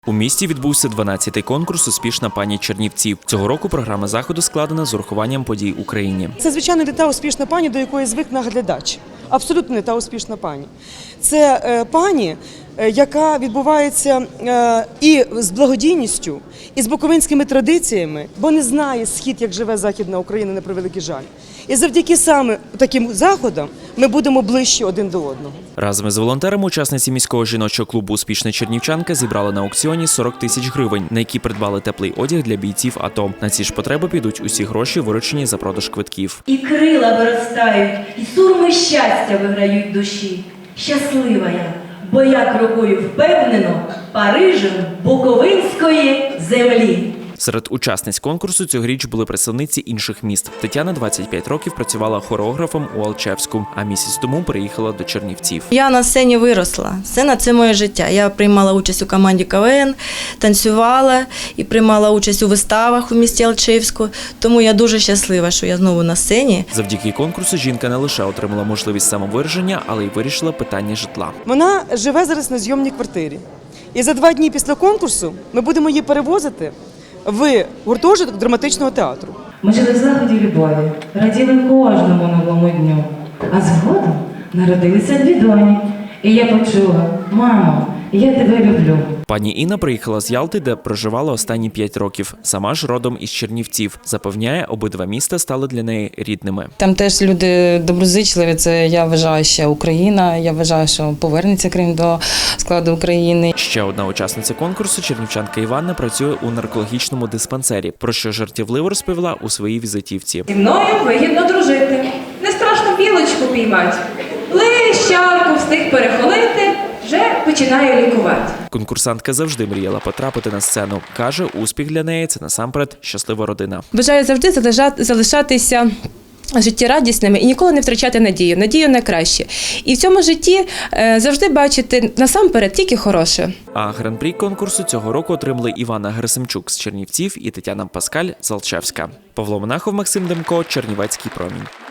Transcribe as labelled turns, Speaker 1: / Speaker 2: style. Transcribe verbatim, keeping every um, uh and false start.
Speaker 1: У місті відбувся дванадцятий конкурс «Успішна пані Чернівців». Цього року програма заходу складена з урахуванням подій в Україні.
Speaker 2: Це, звичайно, не та успішна пані, до якої звик наглядач. Абсолютно не та успішна пані. Це е, пані, е, яка відбувається е, і з благодійністю, і з буковинськими традиціями, бо не знає схід, як живе Західна Україна, на превеликий жаль. І завдяки саме таким заходам ми будемо ближче один до одного.
Speaker 1: Разом із волонтерами учасниці міського жіночого клубу «Успішна чернівчанка» зібрали на аукціоні сорок тисяч гривень, на які придбали теплий одяг для бійців АТО. На ці ж потреби підуть усі гроші, виручені за продаж квитків.
Speaker 3: І крила виростають, і сурми щастя виграють душі. Щаслива я, бо я крокую впевнено Парижем буковинської землі.
Speaker 1: Серед учасниць конкурсу цьогоріч були представниці інших міст. Тетяна двадцять п'ять років працювала хореографом у Алчевську, а місяць тому переїхала до Чернівців.
Speaker 4: Я на сцені виросла. Сцена – це моє життя. Я приймала участь у команді КВН, танцювала і приймала участь у виставах у місті Алчевську. Тому я дуже щаслива, що я знову на сцені.
Speaker 1: Завдяки конкурсу жінка не лише отримала можливість самовираження, але й вирішила питання житла.
Speaker 2: Вона живе зараз на зйомній квартирі. І за два дні після конкурсу ми будемо її перевозити в гуртожиток драматичного театру.
Speaker 5: Ми жили в заході любові, раділи кожному новому дню. А згодом народилися дві доні. І я почула: мамо, я тебе люблю.
Speaker 1: Пані Інна приїхала з Ялти, де проживала останні п'ять років. Сама ж родом із Чернівців. Запевняє, обидва міста стали для неї рідними.
Speaker 6: Там теж люди доброзичливі, це, я вважаю, ще Україна. Я вважаю, що повернеться Крим до складу України.
Speaker 1: Ще одна учасниця конкурсу, чернівчанка Іванна, працює у наркологічному диспансері, про що жартівливо розповіла у своїй візитівці.
Speaker 7: Зі мною вигідно дружити. Не страшно білочку піймати. Лищарку встиг перехолити, вже починаю лікувати.
Speaker 1: Конкурсантка завжди мріяла потрапити на сцену. Каже, успіх для неї – це насамперед щаслива родина.
Speaker 8: Бажаю завжди залишатися життєрадісними і ніколи не втрачати надію, надію на краще. І в цьому житті завжди бачити насамперед тільки хороше.
Speaker 1: А гран-прі конкурсу цього року отримали Івана Герасимчук з Чернівців і Тетяна Паскаль з Алчевська. Павло Монахов, Максим Демко, Чернівецький промінь.